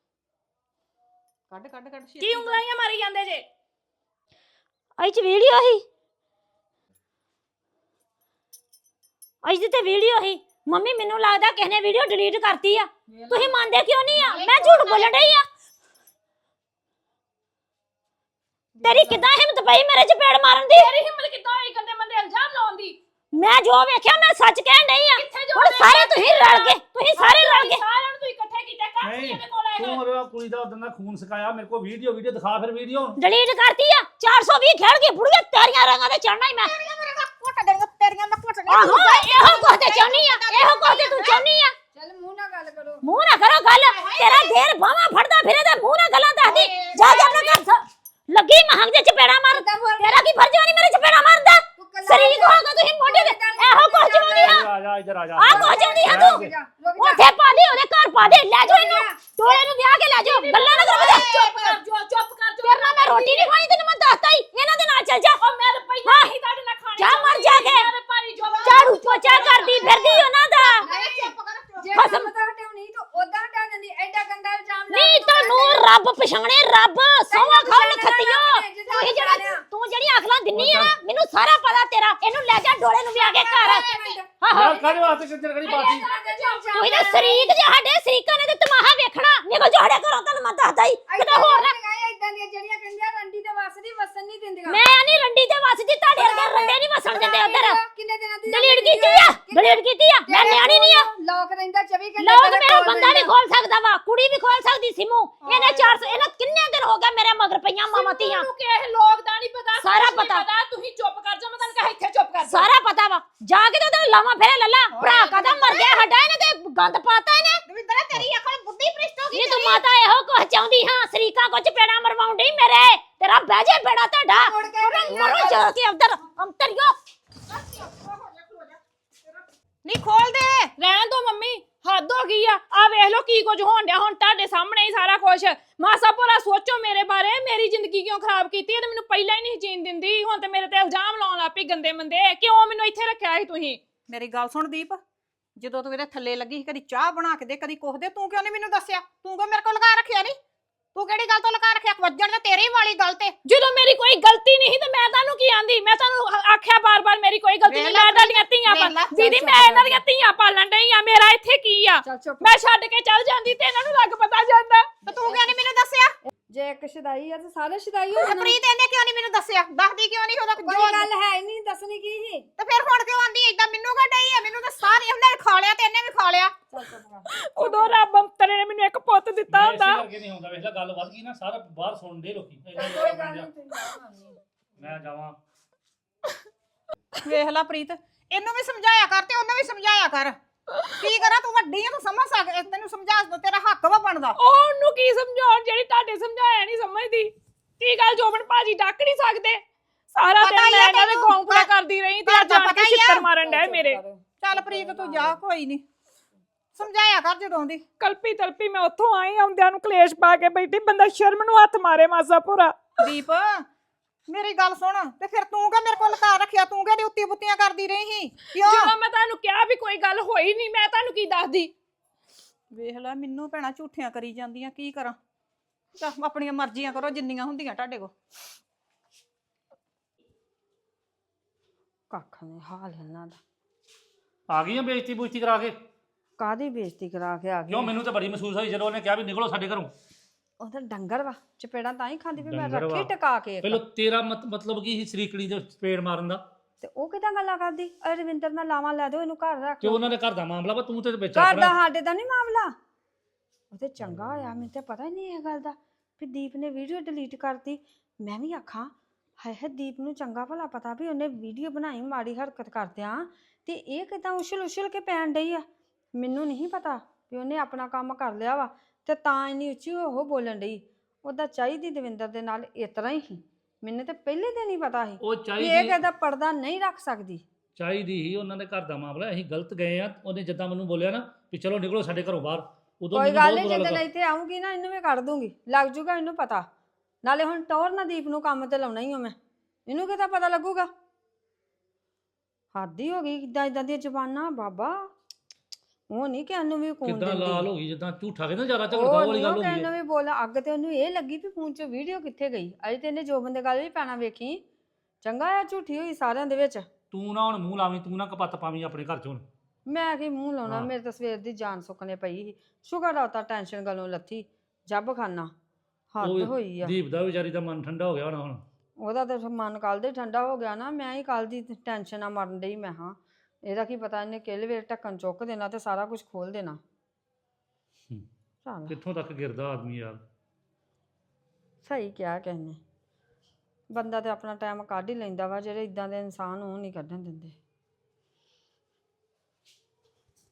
S4: ਕੱਢ ਕੱਢ ਕੱਢ
S6: ਕੀ ਉਂਗਲਾਈਆਂ ਮਾਰੀ ਜਾਂਦੇ ਜੇ
S5: ਅਈ 'ਚ ਵੀਡੀਓ ਹੀ ਅਈ ਦੀ ਤੇ ਵੀਡੀਓ ਹੀ ਮੰਮੀ ਮੈਨੂੰ ਲੱਗਦਾ ਕਿਸੇ ਨੇ ਵੀਡੀਓ ਡਿਲੀਟ ਕਰਤੀ ਆ ਤੁਸੀਂ ਮੰਨਦੇ ਕਿਉਂ ਨਹੀਂ ਆ ਮੈਂ ਝੂਠ ਬੋਲਣ ਡਈ ਆ ਤੇਰੀ ਕਿਦਾਂ ਹਿੰਮਤ ਪਈ ਮੇਰੇ ਚਪੇੜ ਮਾਰਨ ਦੀ
S6: ਤੇਰੀ ਹਿੰਮਤ ਕਿੱਦਾਂ ਹੋਈ ਗੰਦੇ ਮੰਦੇ ਇਲਜ਼ਾਮ ਲਾਉਣ ਦੀ
S5: ਮੈਂ ਜੋ ਵੇਖਿਆ ਮੈਂ ਸੱਚ ਕਹਿਣ ਡਈ ਆ
S6: ਕਿੱਥੇ ਜੋ
S5: ਹੁਣ ਸਾਰੇ ਤੁਸੀਂ ਰਲ ਕੇ ਤੁਸੀਂ ਸਾਰੇ ਰਲ ਕੇ
S6: ਸਾਰਿਆਂ ਨੂੰ ਤੁਸੀਂ ਇਕੱਠੇ ਕੀਤਾ ਘਰ
S2: ਨਹੀਂ
S6: ਦੇ ਕੋਲ ਆਏ
S2: ਤੂੰ ਮੇਰਾ ਕੁੜੀ ਦਾ ਉਦੋਂ ਦਾ ਖੂਨ ਸਕਾਇਆ ਮੇਰੇ ਕੋਲ ਵੀਡੀਓ ਵੀਡੀਓ ਦਿਖਾ ਫਿਰ ਵੀਡੀਓ
S5: ਡਿਲੀਟ ਕਰਤੀ ਆ ਚਾਰ ਸੌ ਵੀਹ ਖੇਡ ਕੇ ਬੁੜੀਆਂ ਤੇਰੀਆਂ ਰੰਗਾਂ ਤੇ ਚੜਨਾ ਹੀ ਮੈਂ
S4: ਘੁੱਟ ਦੇਣਗੇ ਤੇਰੀਆਂ ਮੈਂ ਘੁੱਟ
S5: ਆਹੋ ਇਹੋ ਕੁਝ ਤੇ ਚਾਹਨੀ ਆ ਇਹੋ ਕੁਝ ਤੇ ਤੂੰ ਚਾਹਨੀ ਆ
S1: ਚੱਲ ਮੂੰਹ ਨਾਲ ਗੱਲ ਕਰੋ
S5: ਮੂੰਹ ਨਾ ਕਰੋ ਗੱਲ ਤੇਰਾ ਢੇਰ ਬਾਵਾ ਫੜਦਾ ਫਿਰੇ ਤੇ ਮੂੰਹ ਨਾਲ ਗੱਲਾਂ ਦੱਸਦੀ ਜਾ ਜਾ ਆਪਣੇ ਘਰ ਸ- ਲੱਗੀ ਮਹੰਗ ਦੇ ਚਪੇੜਾ ਮਾਰ ਤੇਰਾ ਕੀ ਫਰਜ਼ ਨਹੀਂ ਮੇਰੇ ਚਪੇੜਾ ਮਾਰਦਾ ਸਰੀਰ ਹੋਗਾ ਤੁਸੀਂ ਮੋਢੇ ਤੇ ਇਹੋ ਕੁਝ ਚਾਹੁੰਦੀ ਆ
S2: ਆ ਜਾ ਇੱਧਰ ਆ ਜਾ
S5: ਆ ਕੁਝ ਚਾਹੁੰਦੀ ਆ ਤੂੰ ਉੱਥੇ ਪਾ ਦੇ ਉਹਦੇ ਘਰ ਪਾ ਦੇ ਲੈ ਜਾ ਇਹਨੂੰ ਟੋਲੇ ਨੂੰ ਵਿਆਹ ਕੇ ਲੈ ਜਾ ਗੱਲਾਂ ਨਾ ਕਰੋ
S6: ਚੁੱਪ ਕਰ ਜੋ ਚੁੱਪ ਕਰ ਜੋ
S5: ਤੇਰੇ ਨਾਲ ਮੈਂ ਰੋਟੀ ਨਹੀਂ ਖਾਣੀ ਤੈਨੂੰ ਮੈਂ ਦੱਸਤਾ ਹੀ ਇਹਨਾਂ ਦੇ ਨਾਲ ਚੱਲ ਜਾ
S6: ਉਹ ਮੈਂ ਤਾਂ ਪਹਿਲਾਂ ਹੀ ਤੁਹਾਡੇ ਨਾਲ ਖਾਣੀ
S5: ਜਾ ਮਰ ਜਾ ਕੇ।
S6: ਮੇਰੇ ਭਾਈ ਜੋ
S5: ਝਾੜੂ ਪੋਚਾ ਕਰਦੀ ਫਿਰਦੀ ਉਹਨਾਂ ਦਾ
S1: ਜੇ
S5: ਖਸਮ।
S1: ਕੰਮ ਤਾਂ ਹਟਾਉਣੀ ਤਾਂ ਉਦਾਂ ਹਟਾ ਦਿੰਦੀ ਐਡਾ ਗੰਦਾ ਇਲਜ਼ਾਮ ਲਾ
S5: ਨਹੀਂ
S1: ਕੇ
S5: ਤੈਨੂੰ ਰੱਬ ਪਛਾਣੇ ਰੱਬ ਸੋਵਾ ਖਾਣ ਖੱਤਿਓ ਤੂੰ ਜਿਹੜਾ ਤੂੰ ਜਿਹੜੀ ਅਖਲਾਂ ਦਿੰਨੀ ਆ ਨਾ, ਮੈਨੂੰ ਸਾਰਾ ਪਤਾ ਤੇਰਾ ਇਹਨੂੰ ਲੈ ਜਾ ਡੋਲੇ ਨੂੰ ਵਿਆਹ ਕੇ ਘਰ ਆਹੋ
S2: ਯਾਰ ਕਾਹਦੇ ਵਾਸਤੇ ਕਿੱਧਰ ਕਰੀ ਬਾਤੀ
S5: ਤੂੰ ਇਹਦਾ ਸਰੀਕ ਜੇ ਸਾਡੇ ਸਰੀਕਾਂ ਨੇ ਤੇ ਤਮਾਹਾ ਵੇਖਣਾ ਨਿਕਲ ਜਾ ਸਾਡੇ ਘਰੋਂ ਤੈਨੂੰ ਮੈਂ ਦੱਸਦਾ ਹੀ ਕਿਤੇ ਹੋਰ ਨਾ
S1: ਇਦਾਂ ਦੀਆਂ ਜਿਹੜੀਆਂ ਕਹਿੰਦੀਆਂ ਰੰਡੀ ਤੇ ਵਸਦੀ ਵਸਣ ਨਹੀਂ ਦਿੰਦੀਆਂ
S5: ਮੈਂ ਨਹੀਂ ਰੰਡੀ ਤੇ ਵਸਦੀ ਤੁਹਾਡੇ ਵਰਗੇ ਰੰਡੇ ਨਹੀਂ ਵਸਣ ਦਿੰਦੇ ਉਧਰ
S1: ਕਿੰਨੇ ਦਿਨਾਂ ਦੀ
S5: ਡਿਲੀਟ ਕੀਤੀ ਆ ਡਿਲੀਟ ਕੀਤੀ ਆ ਮੈਂ ਨਿਆਣੀ ਨਹੀਂ ਆ
S1: ਲੋਕ ਰਹਿੰਦਾ ਚੌਵੀ ਘੰਟੇ
S5: ਲੋਕ
S1: ਤੇਰੇ
S5: ਮੇਰਾ
S1: ਕੋਲ
S5: ਬੰਦਾ ਵੀ
S1: ਰਹਿੰਦਾ।
S5: ਖੋਲ ਸਕਦਾ ਵਾ ਕੁੜੀ ਵੀ ਖੋਲ ਸਕਦੀ ਸਿਮੂ ਇਹਨੇ ਚਾਰ ਸੌ ਇਹਨਾਂ ਕਿੰਨੇ ਦਿਨ ਹੋ ਗਏ ਮੇਰੇ ਮਗਰ ਪਈਆਂ ਮਾਮਤੀਆਂ
S6: ਨੂੰ ਕਿਹ ਲੋਕ ਦਾ ਨਹੀਂ ਪਤਾ
S5: ਸਾਰਾ
S6: ਕੁਛ ਨੀ
S5: ਪਤਾ।
S6: ਤੁਸੀਂ ਚੁੱਪ ਕਰ ਜਾ ਮੈਂ ਤੁਹਾਨੂੰ ਕਹਾਂ ਇੱਥੇ ਚੁੱਪ ਕਰ ਜਾ
S5: ਸਾਰਾ ਪਤਾ ਵਾ ਜਾ ਕੇ ਤੇ ਉਹਦਾ ਲਾਵਾਂ ਫੇਰੇ ਲੱਲਾ ਭਰਾ ਕਦਾ ਮਰ ਗਿਆ ਹੱਡਾ ਇਹਨੇ ਤੇ ਗੰਦ ਪਾਤਾ ਇਹਨੇ
S4: ਦਵਿੰਦਰ ਤੇਰੀ ਅਕਲ ਬੁੱਧੀ ਭ੍ਰਿਸ਼ਟ ਹੋ ਗਈ
S5: ਨਹੀਂ ਤੂੰ ਮਾਤਾ ਇਹੋ ਕੁਝ ਚਾਹੁੰਦੀ ਹਾਂ ਸਰੀਕਾ ਕੁਝ ਪੇੜਾ ਮਰਵਾਉਂਦੀ ਮੇਰੇ ਤੇਰਾ ਬਹਿ ਜਾ ਬੇੜਾ ਤੁਹਾਡਾ
S1: ਮੁੜ ਕੇ
S5: ਮਰੋ ਜਾ ਕੇ ਅੰਦਰ ਅੰਤਰਿਓ
S4: ਨਹੀਂ ਖੋਲ ਦੇ
S6: ਰਹਿਣ ਦੋ ਮੰਮੀ ਹੱਦ ਹੋ ਗਈ ਆ ਆ ਵੇਖ ਲਓ ਕੀ ਕੁਝ ਹੋਣ ਡਿਆ ਹੁਣ ਤੁਹਾਡੇ ਸਾਹਮਣੇ ਹੀ ਸਾਰਾ ਕੁਝ ਮਾਸਾ ਭੋਰਾ ਸੋਚੋ ਮੇਰੇ ਬਾਰੇ ਮੇਰੀ ਜ਼ਿੰਦਗੀ ਕਿਉਂ ਖਰਾਬ ਕੀਤੀ ਇਹ ਤਾਂ ਮੈਨੂੰ ਪਹਿਲਾਂ ਹੀ ਨਹੀਂ ਜੀਣ ਦਿੰਦੀ ਹੁਣ ਤੇ ਮੇਰੇ ਤੇ ਇਲਜ਼ਾਮ ਲਾਉਣ ਲੱਗ ਪਈ ਗੰਦੇ ਮੰਦੇ ਕਿਉਂ ਮੈਨੂੰ ਇੱਥੇ ਰੱਖਿਆ ਸੀ ਤੁਸੀਂ
S4: ਮੇਰੀ ਗੱਲ ਸੁਣ ਦੀਪ ਜਦੋਂ ਤੂੰ ਇਹਦੇ ਥੱਲੇ ਲੱਗੀ ਸੀ ਕਦੀ ਚਾਹ ਬਣਾ ਕੇ ਦੇ ਕਦੀ ਕੁਛ ਦੇ ਤੂੰ ਕਿਉਂ ਨਹੀਂ ਮੈਨੂੰ ਦੱਸਿਆ ਤੂੰ ਕਿਉਂ ਮੇਰੇ ਕੋਲ ਲਗਾ ਰੱਖਿਆ ਨਹੀਂ ਤੂੰ ਕਿਹੜੀ ਗੱਲ ਤੋਂ ਲਗਾ ਰੱਖਿਆ ਵੱਜਣ ਤੇ ਤੇਰੀ ਵਾਲੀ ਗੱਲ ਤੇ
S6: ਜਦੋਂ ਮੇਰੀ ਕੋਈ ਗਲਤੀ ਨਹੀਂ ਤੇ ਮੈਂ ਤੁਹਾਨੂੰ ਕੀ ਆਂਦੀ ਮੈਂ ਤੁਹਾਨੂੰ ਆ- ਆਖਿਆ ਬਾਰ-ਬਾਰ ਮੇਰੀ ਕੋਈ ਗਲਤੀ ਨਹੀਂ ਮੈਂ ਤੁਹਾਡੀਆਂ ਧੀਆਂ
S4: ਵੇਖ ਲੈ,
S6: ਪਾਲ ਦੀਦੀ ਮੈਂ ਇਹਨਾਂ ਦੀਆਂ ਧੀਆਂ ਪਾਲਣ ਡਈ ਆ ਮੇਰਾ ਇੱਥੇ ਕੀ ਆ
S1: ਚੱਲ ਚੁੱਪ
S6: ਮੈਂ ਛੱਡ ਕੇ ਚੱਲ ਜਾਂਦੀ ਤੇ ਇਹਨਾਂ ਨੂੰ ਲੱਗ ਪਤਾ ਜਾਂਦਾ
S4: ਤੇ ਤੂੰ ਕਿਉਂ ਨਹੀਂ ਮੈਨੂੰ ਦੱਸਿਆ
S1: ਜੇ ਇੱਕ ਸ਼ਦਾਈ ਆ ਤੇ ਸਾਰੇ ਸ਼ਦਾਈ ਹੋ
S4: ਤੇ
S1: ਜਾਣ
S4: ਪ੍ਰੀਤ ਇਹਨੇ ਕਿਉਂ ਨਹੀਂ ਮੈਨੂੰ ਦੱਸਿਆ ਦੱਸਦੀ ਕਿਉਂ ਨਹੀਂ ਉਹਦਾ
S1: ਕੋਈ
S4: ਜੋ
S1: ਗੱਲ ਹੈ ਹੀ ਨਹੀਂ ਦੱਸਣੀ ਕੀ ਸੀ
S4: ਤੇ ਫਿਰ ਹੁਣ ਕਿਉਂ ਆਂਦੀ ਏਦਾਂ ਮੈਨੂੰ ਕਾ ਡਈ ਆ ਮੈਨੂੰ ਤਾਂ ਸਾਰੇ ਉਹਨੇ ਖਾ ਲਿਆ ਤੇ ਇਹਨੇ ਵੀ ਖਾ ਲਿਆ
S1: ਚੱਲ ਚੁੱਪ ਕਰ
S6: ਉਦੋਂ ਰੱਬ ਅੰਤਰੇ ਨੇ ਮੈਨੂੰ ਇੱਕ ਪੁੱਤ ਦਿੱਤਾ
S2: ਇਸੇ
S6: ਹੁੰਦਾ
S2: ਕਰਕੇ ਨਹੀਂ ਹੁੰਦਾ ਵੇਖ ਲੈ ਗੱਲ ਵੱਧ ਗਈ ਨਾ ਸਾਰਾ ਬਾਹਰ ਸੁਣਦੇ ਲੋਕੀ ਇੰਨਾ
S1: ਚੱਲ
S2: ਜ਼ਿਆਦਾ
S1: ਕੋਈ ਗੱਲ
S2: ਬਣ ਜਾ।
S1: ਨਹੀਂ ਤੁਸੀਂ ਜਾਓ ਨਹੀਂ।
S2: ਮੈਂ ਜਾਵਾਂ
S4: ਵੇਖ ਲੈ ਪ੍ਰੀਤ ਇਹਨੂੰ ਵੀ ਸਮਝਾਇਆ ਕਰ ਤੇ ਉਹਨੂੰ ਵੀ ਸਮਝਾਇਆ ਕਰ ਕੀ ਕਰਾਂ ਤੂੰ ਵੱਡੀ ਆ ਤੂੰ ਸਮਝ ਸਕ ਤੈਨੂੰ ਸਮਝਾ ਤੇਰਾ ਹੱਕ ਵਾ ਬਣਦਾ
S6: ਉਹ ਉਹਨੂੰ ਕੀ ਸਮਝਾਉਣ ਜਿਹੜੀ ਤੁਹਾਡੇ ਸਮਝਾਇਆ ਨਹੀਂ ਸਮਝਦੀ ਕੀ ਗੱਲ ਜੋਬਨ ਭਾਜੀ ਡੱਕ ਨਹੀਂ ਸਕਦੇ ਸਾਰਾ
S4: ਪਤਾ
S6: ਦਿਨ
S4: ਹੀ
S6: ਮੈਂ
S4: ਆ
S6: ਇਹਨਾਂ ਦੇ
S4: ਤੈਨੂੰ,
S6: ਗੌਂਕਲਾ
S4: ਘਰ-
S6: ਕਰਦੀ ਰਹੀ ਤੇ
S4: ਘਰ
S6: ਅੱਜ
S4: ਦਾ
S6: ਆਣ
S4: ਪਤਾ
S6: ਕੇ
S4: ਹੀ ਆ।
S6: ਛਿੱਤਰ ਮਾਰਨ ਡੈ
S1: ਚੱਲ
S6: ਮੇਰੇ
S1: ਚੁੱਪ ਕਰ।
S4: ਚੱਲ ਪ੍ਰੀਤ ਤੂੰ ਜਾ ਕੋਈ ਨਹੀਂ ਸਮਝਾਇਆ ਕਰ ਜਦੋਂ ਦੀ
S6: ਕਲਪੀ ਤਲਪੀ ਮੈਂ ਉੱਥੋਂ ਆਈ ਆਉਂਦਿਆਂ ਨੂੰ ਕਲੇਸ਼ ਪਾ ਕੇ ਬੈਠੀ ਬੰਦਾ ਸ਼ਰਮ ਨੂੰ ਹੱਥ ਮਾਰੇ ਮਾਸਾ ਪੂਰਾ
S4: ਦੀਪ ਮੇਰੀ ਗੱਲ ਸੁਣ ਤੇ ਫਿਰ ਤੂੰ ਕਾ ਮੇਰੇ ਕੋਲ ਲਗਾ ਰੱਖਿਆ ਤੂੰ ਕਿਹੜੀ ਉੱਤੀ ਬੁੱਤੀਆਂ ਕਰਦੀ ਰਹੀ ਸੀ ਕਿਉਂ
S6: ਜਦੋਂ ਮੈਂ ਤੁਹਾਨੂੰ ਕਿਹਾ ਵੀ ਕੋਈ ਗੱਲ ਹੋਈ ਨਹੀਂ ਮੈਂ ਤੁਹਾਨੂੰ ਕੀ ਦੱਸਦੀ
S4: ਵੇਖ ਲੈ ਮੈਨੂੰ ਭੈਣਾ ਝੂਠੀਆਂ ਕਰੀ ਜਾਂਦੀਆਂ ਕੀ ਕਰਾਂ ਚੱਲ ਆਪਣੀਆਂ ਮਰਜ਼ੀਆਂ ਕਰੋ ਜਿੰਨੀਆਂ ਹੁੰਦੀਆਂ ਤੁਹਾਡੇ ਕੋਲ
S1: ਕੱਖ ਨਹੀਂ ਹਾਲ ਇਹਨਾਂ ਦਾ
S2: ਆ ਗਈ ਆ ਬੇਇੱਜ਼ਤੀ ਬੁਇੱਜ਼ਤੀ ਕਰਾ ਕੇ
S1: ਕਾਦੀ ਬੇਇੱਜ਼ਤੀ ਕਰਾ ਕੇ ਆ
S2: ਕਿਉਂ
S1: ਗਈ
S2: ਮੈਨੂੰ ਤਾਂ ਬੜੀ ਮਹਿਸੂਸ ਹੋਈ ਜਦੋਂ ਉਹਨੇ ਕਿਹਾ ਵੀ ਨਿਕਲੋ ਸਾਡੇ ਘਰੋਂ
S1: ਉਹ ਤਾਂ ਡੰਗਰ ਵਾ ਚਪੇੜਾਂ ਤਾਂ ਹੀ ਖਾਂਦੀ ਵੀ ਮੈਂ
S2: ਡੰਗਰ ਵਾ।
S1: ਰੱਖੀ ਟਕਾ ਕੇ ਇੱਕ।
S2: ਪਹਿਲਾਂ ਤੇਰਾ ਮਤ- ਮਤਲਬ ਕੀ ਸੀ ਸਰੀਕੜੀ ਦੇ ਪੇੜ ਮਾਰਨ ਦਾ
S1: ਤੇ ਉਹ ਕਿਦਾਂ ਗੱਲਾਂ ਕਰਦੀ ਅਰੇ ਰਵਿੰਦਰ ਨਾਲ ਲਾਵਾਂ ਲੈ ਦਿਓ ਇਹਨੂੰ ਘਰ ਰੱਖ
S2: ਕਿ ਉਹਨਾਂ ਦੇ ਘਰ ਦਾ ਮਾਮਲਾ ਵਾ ਤੂੰ ਤੇ ਵਿੱਚ
S1: ਘਰ ਦਾ
S2: ਆਪਣਾ
S1: ਸਾਡੇ ਦਾ ਨਹੀਂ ਮਾਮਲਾ ਉਹ ਤੇ ਚੰਗਾ ਹੋਇਆ, ਮੈਨੂੰ ਤੇ ਪਤਾ ਹੀ ਨਹੀਂ ਇਹ ਗੱਲ ਦਾ ਵੀ ਦੀਪ ਨੇ ਵੀਡੀਓ ਡਿਲੀਟ ਕਰਤੀ। ਮੈਂ ਵੀ ਆਖਾਂ ਹਾਏ ਹਾਏ ਦੀਪ ਨੂੰ ਚੰਗਾ ਭਲਾ ਪਤਾ ਵੀ ਉਹਨੇ ਵੀਡੀਓ ਬਣਾਈ ਮਾੜੀ ਹਰਕਤ ਕਰਦਿਆਂ, ਤੇ ਇਹ ਕਿਦਾਂ ਉਛਲ ਉਛਲ ਕੇ ਪੈਣ ਡਈ ਆ। ਮੈਨੂੰ ਨਹੀਂ ਪਤਾ ਵੀ ਉਹਨੇ ਆਪਣਾ ਕੰਮ ਕਰ ਲਿਆ ਵਾ ਤੇ ਤਾਂ ਇੰਨੀ ਉੱਚੀ ਉਹ ਬੋਲਣ ਡਈ। ਉਹਦਾ ਚਾਹੀਦੀ ਦਵਿੰਦਰ ਦੇ ਨਾਲ ਇਸ ਤਰ੍ਹਾਂ ਹੀ ਸੀ। ਮੈਨੂੰ ਤੇ ਪਹਿਲੇ ਦਿਨ ਹੀ ਪਤਾ ਸੀ
S2: ਉਹ
S1: ਵੀ ਇਹ
S2: ਚਾਹੀਦੀ
S1: ਕਦਾ ਪਰਦਾ ਨਹੀਂ ਰੱਖ ਸਕਦੀ।
S2: ਚਾਹੀਦੀ ਹੀ ਉਹਨਾਂ ਦੇ ਘਰ ਦਾ ਮਾਮਲਾ, ਅਸੀਂ ਗਲਤ ਗਏ ਆ। ਉਹਨੇ ਜਿੱਦਾਂ ਮੈਨੂੰ ਬੋਲਿਆ ਨਾ ਵੀ ਚਲੋ ਨਿਕਲੋ ਸਾਡੇ ਘਰੋਂ ਬਾਹਰ, ਉਦੋਂ
S1: ਕੋਈ
S2: ਮੈਨੂੰ
S1: ਗੱਲ
S2: ਬਹੁਤ
S1: ਨਹੀਂ,
S2: ਬੁਰਾ
S1: ਜਦੋਂ
S2: ਲੱਗਾ।
S1: ਇੱਥੇ ਆਉਂਗੀ ਨਾ ਇਹਨੂੰ ਵੀ ਕੱਢ ਦੂੰਗੀ, ਲੱਗ ਜੂਗਾ ਇਹਨੂੰ ਪਤਾ। ਨਾਲੇ ਹੁਣ ਟੌਰ ਨਾ ਦੀਪ ਨੂੰ ਕੰਮ ਤੇ ਲਾਉਣਾ ਹੀ ਹਾਂ ਮੈਂ, ਇਹਨੂੰ ਕਿਤਾ ਪਤਾ ਲੱਗੂਗਾ। ਹੱਦ ਹੀ ਹੋ ਗਈ ਇਦਾਂ ਇਦਾਂ ਦੀਆਂ ਜ਼ਬਾਨਾਂ ਬਾਬਾ। ਉਹ ਨਹੀਂ ਕਿ ਇਹਨੂੰ ਵੀ ਕੂਣ
S2: ਕਿੱਦਾਂ ਲਾਲ
S1: ਦਿੰਦੀ,
S2: ਹੋ ਗਈ, ਜਿੱਦਾਂ ਝੂਠਾ ਕਹਿੰਦਾ ਜ਼ਿਆਦਾ ਝਗੜਾ
S1: ਉਹ
S2: ਵਾਲੀ
S1: ਨਹੀਂ
S2: ਗੱਲ
S1: ਉਹ
S2: ਹੋ
S1: ਕਿ
S2: ਗਈ
S1: ਇਹਨੂੰ
S2: ਹੈ।
S1: ਵੀ ਬੋਲ। ਅੱਗ ਤੇ ਉਹਨੂੰ ਇਹ ਲੱਗੀ ਵੀ ਫੋਨ 'ਚ ਵੀਡੀਓ ਕਿੱਥੇ ਗਈ। ਅਜੇ ਤੇ ਇਹਨੇ ਜੋ ਬੰਦੇ ਗੱਲ ਵੀ ਪੈਣਾ ਵੇਖੀ। ਚੰਗਾ ਆ ਝੂਠੀ ਹੋਈ ਸਾਰਿਆਂ ਦੇ ਵਿੱਚ।
S2: ਤੂੰ ਨਾ ਹੁਣ ਮੂੰਹ ਲਾਵੀਂ, ਤੂੰ ਨਾ ਕਪੱਤ ਪਾਵੀਂ ਆਪਣੇ ਘਰ 'ਚ ਹੁਣ।
S1: ਮੈਂ ਕੀ ਮੂੰਹ ਲਾਉਣਾ,
S2: ਹਾਂ।
S1: ਮੇਰੇ ਤਾਂ ਸਵੇਰ ਦੀ ਜਾਨ ਸੁੱਕਣੇ ਪਈ ਸੀ। ਸ਼ੁਕਰ ਆ ਤਾਂ ਟੈਨਸ਼ਨ ਗੱਲੋਂ ਲੱਥੀ। ਜੱਬ ਖਾਨਾ ਹੱਦ
S2: ਉਹ
S1: ਹੋਈ ਆ।
S2: ਦੀਪ ਦਾ ਵਿਚਾਰੀ ਦਾ ਮਨ ਠੰਡਾ ਹੋ ਗਿਆ ਹੋਣਾ ਹੁਣ।
S1: ਉਹਦਾ ਤਾਂ ਮਨ ਕੱਲ ਦੇ ਠੰਡਾ ਹੋ ਗਿਆ ਨਾ। ਮੈਂ ਹੀ ਕੱਲ ਦੀ ਟੈਨਸ਼ਨ ਆ ਮਰਨ ਡਈ। ਮੈਂ ਹਾਂ ਇਹਦਾ ਕੀ ਪਤਾ ਇਹਨੇ ਕਿਹੜੇ ਵੇਲੇ ਢੱਕਣ ਚੁੱਕ ਦੇਣਾ ਤੇ ਸਾਰਾ ਕੁਝ ਖੋਲ ਦੇਣਾ।
S2: ਹੂੰ।
S1: ਚੱਲ
S2: ਕਿੱਥੋਂ ਤੱਕ ਗਿਰਦਾ ਆਦਮੀ ਯਾਰ।
S1: ਸਹੀ ਕਿਹਾ ਕਿਸੇ ਨੇ। ਬੰਦਾ ਤੇ ਆਪਣਾ ਟਾਈਮ ਕੱਢ ਹੀ ਲੈਂਦਾ ਵਾ, ਜਿਹੜੇ ਇਦਾਂ ਦੇ ਇਨਸਾਨ ਉਹ ਨਹੀਂ ਕੱਢਣ ਦਿੰਦੇ।